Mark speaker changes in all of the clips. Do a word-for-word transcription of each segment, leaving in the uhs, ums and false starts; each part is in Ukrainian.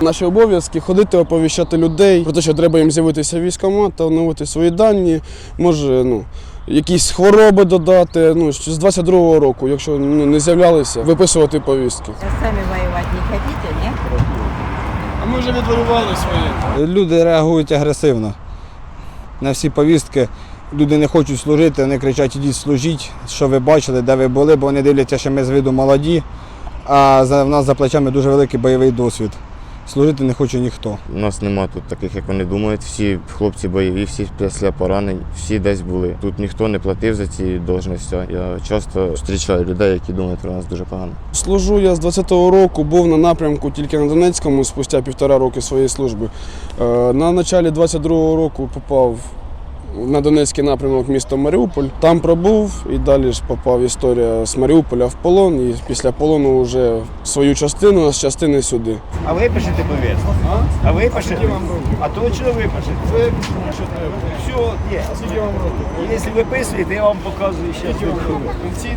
Speaker 1: Наші обов'язки – ходити, оповіщати людей про те, що треба їм з'явитися в військкомат та оновити свої дані, може, ну, якісь хвороби додати. Ну, з двадцять другого року, якщо ну, не з'являлися, виписувати повістки.
Speaker 2: Самі воювати не хочете, ні?
Speaker 1: А ми вже відвоювали своє.
Speaker 3: Люди реагують агресивно на всі повістки. Люди не хочуть служити, вони кричать: ідіть служіть, що ви бачили, де ви були, бо вони дивляться, що ми з виду молоді, а в нас за плечами дуже великий бойовий досвід. Служити не хоче ніхто.
Speaker 4: У нас нема тут таких, як вони думають. Всі хлопці бойові, всі після поранень, всі десь були. Тут ніхто не платив за ці должності. Я часто зустрічаю людей, які думають про нас дуже погано.
Speaker 1: Служу я з двадцятого року, був на напрямку тільки на Донецькому спустя півтора роки своєї служби. На початку двадцять другого року попав на Донецький напрямок міста Маріуполь. Там пробув і далі ж попав історія з Маріуполя в полон. І після полону вже свою частину, а з частини сюди.
Speaker 5: А ви пишете повістку? А? А ви пишете? А то чого ви пишете?
Speaker 1: Це що треба.
Speaker 5: Все, є.
Speaker 1: А скільки вам років?
Speaker 5: Якщо ви писуєте, я вам показую ще.
Speaker 1: Пенсійний?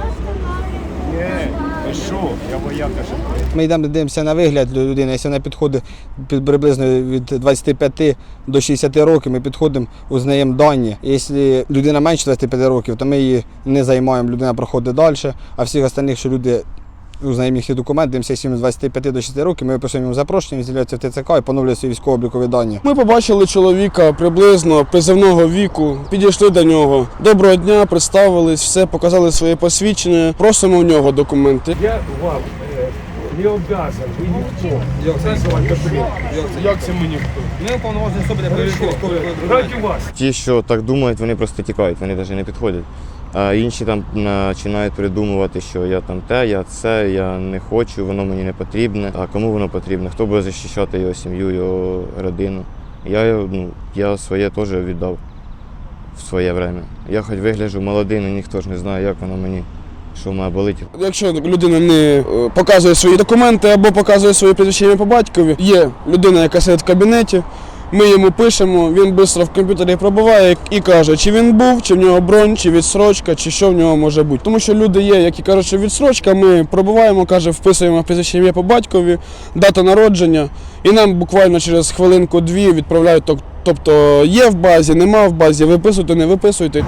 Speaker 5: Ні, ви що? Я вояка ще.
Speaker 3: Ми йдемо, дивимося на вигляд людини. Якщо вона підходить під приблизно від двадцяти п'яти до шістдесяти років, ми підходимо, узнаємо дані. Якщо людина менше двадцяти п'яти років, то ми її не займаємо, людина проходить далі. А всіх остальних, що люди узнаємо їхні документи, дивимося, якщо з двадцяти п'яти до шістдесяти років, ми виписуємо їм запрошення, він з'являється в ТЦК і поновлює свої військово-облікові дані.
Speaker 1: Ми побачили чоловіка приблизно призовного віку, підійшли до нього. Доброго дня, представились, все, показали своє посвідчення, просимо в нього документи.
Speaker 6: Я вам е, не обов'язан, ви ніхто. Як це?
Speaker 1: Як це ми ніхто?
Speaker 3: Ми уповноважені особи для перевірки військових
Speaker 6: Раді вас.
Speaker 4: Ті, що так думають, вони просто тікають, вони навіть не підходять. А інші там починають придумувати, що я там те, я це, я не хочу, воно мені не потрібне. А кому воно потрібне? Хто буде захищати його сім'ю, його родину? Я, ну, я своє теж віддав в своє время. Я хоч вигляджу молодий, але ніхто ж не знає, як воно мені, що має болити.
Speaker 1: Якщо людина не е, показує свої документи або показує своє прізвище ім'я по батькові, є людина, яка сидить в кабінеті, ми йому пишемо, він швидко в комп'ютері пробиває і каже, чи він був, чи в нього бронь, чи відсрочка, чи що в нього може бути. Тому що люди є, які кажуть, що відсрочка, ми пробиваємо, каже, вписуємо прізвище ім'я по батькові, дата народження, і нам буквально через хвилинку-дві відправляють, тобто є в базі, нема в базі, виписуйте, не виписуйте.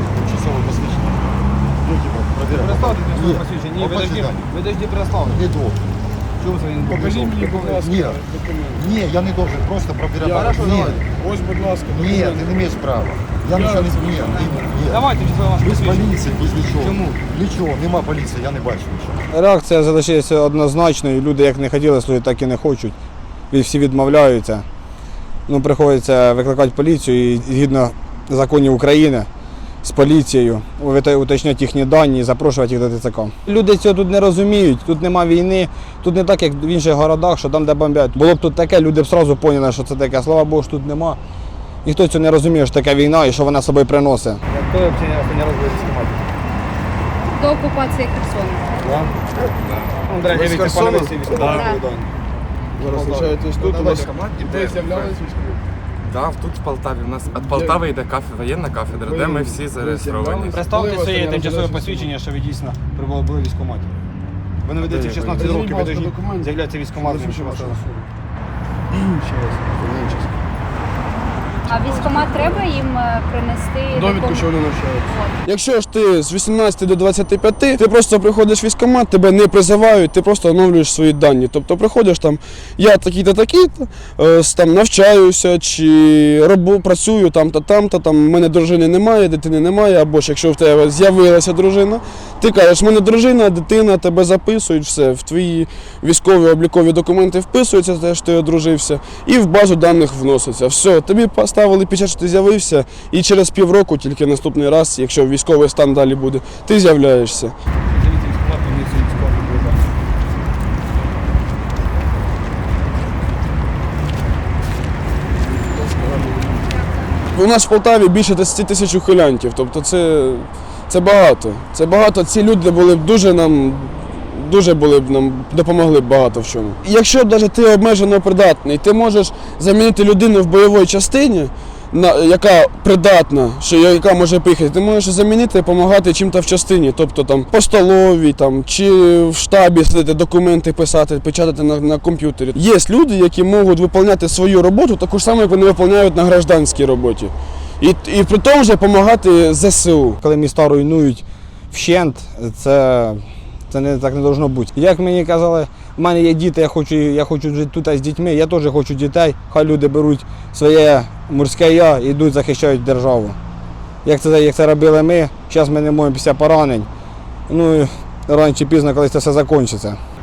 Speaker 3: Ні, подожди, переславлення.
Speaker 7: Не должен.
Speaker 1: Покажіть мені, будь ласка,
Speaker 7: Ні,
Speaker 1: документи.
Speaker 7: ні, я не должен, просто проверять. Ні,
Speaker 1: Ось, будь ласка,
Speaker 7: ні, ти не маєш права. Я нічого не ні, ні, ні.
Speaker 3: Давайте вже ваше
Speaker 7: Без поліції, без нічого.
Speaker 3: Чому?
Speaker 7: Нічого, нема поліції, я не бачу нічого.
Speaker 3: Реакція залишається однозначною. Люди як не хотіли служити, так і не хочуть. І всі відмовляються. Ну, приходиться викликати поліцію і згідно законів України з поліцією уточняти їхні дані і запрошувати їх до ТЦК. Люди цього тут не розуміють, тут нема війни, тут не так, як в інших городах, що там, де бомблять. Було б тут таке, люди б одразу поняли, що це таке. Слава Богу, що тут нема. Ніхто цього не розуміє, що таке війна і що вона собою приносить.
Speaker 5: Хто взагалі не робить військкомат?
Speaker 8: До окупації Херсона.
Speaker 5: Ну, до речі, від пана військкомат.
Speaker 1: Зараз лишаєтесь тут, у вас
Speaker 9: Іде.
Speaker 1: з'являлись військові?
Speaker 9: Так, тут в Полтаві. У нас від Полтави йде кафедра, воєнна кафедра, де ми всі зареєстровані.
Speaker 3: Представте своє тимчасове посвідчення, що ви дійсно були в військкоматі. Ви не ведете шістнадцять років, ви повинні з'являтися військкоматом.
Speaker 8: А військкомат треба їм е, принести
Speaker 1: Довідку, що
Speaker 8: докум-
Speaker 1: вони навчаються. Якщо ж ти з вісімнадцяти до двадцяти п'яти, ти просто приходиш в військкомат, тебе не призивають, ти просто оновлюєш свої дані. Тобто приходиш там, я такий-то, такий-то, е, там навчаюся, чи робу, працюю там-то, там-то, там, в мене дружини немає, дитини немає, або ж якщо в тебе з'явилася дружина, ти кажеш, в мене дружина, дитина, тебе записують, все, в твої військові облікові документи вписуються, те, що ти одружився, і в базу даних вноситься. Все, тобі поставили печать, що ти з'явився, і через півроку, тільки наступний раз, якщо військовий стан далі буде, ти з'являєшся. У нас в Полтаві більше десять тисяч ухилянтів, тобто це, це багато. Це багато, ці люди були б дуже нам, дуже були б нам, допомогли б багато в чому. Якщо навіть ти обмежено придатний, ти можеш замінити людину в бойовій частині на, яка придатна, що яка може поїхати, ти можеш замінити, допомагати чим-то в частині, тобто там по столовій, там, чи в штабі сидіти, документи писати, печатати на, на комп'ютері. Є люди, які можуть виконувати свою роботу таку ж саму, як вони виконують на гражданській роботі. І, і при тому вже допомагати ЗСУ.
Speaker 3: Коли міста руйнують вщент, це, це не, так не должно бути. Як мені казали, в мене є діти, я хочу, я хочу жити тут з дітьми, я теж хочу дітей, хай люди беруть своє морське я і йдуть, захищають державу. Як це, як це робили ми, зараз ми не можемо після поранень. Ну, рано чи пізно, коли це все закінчиться.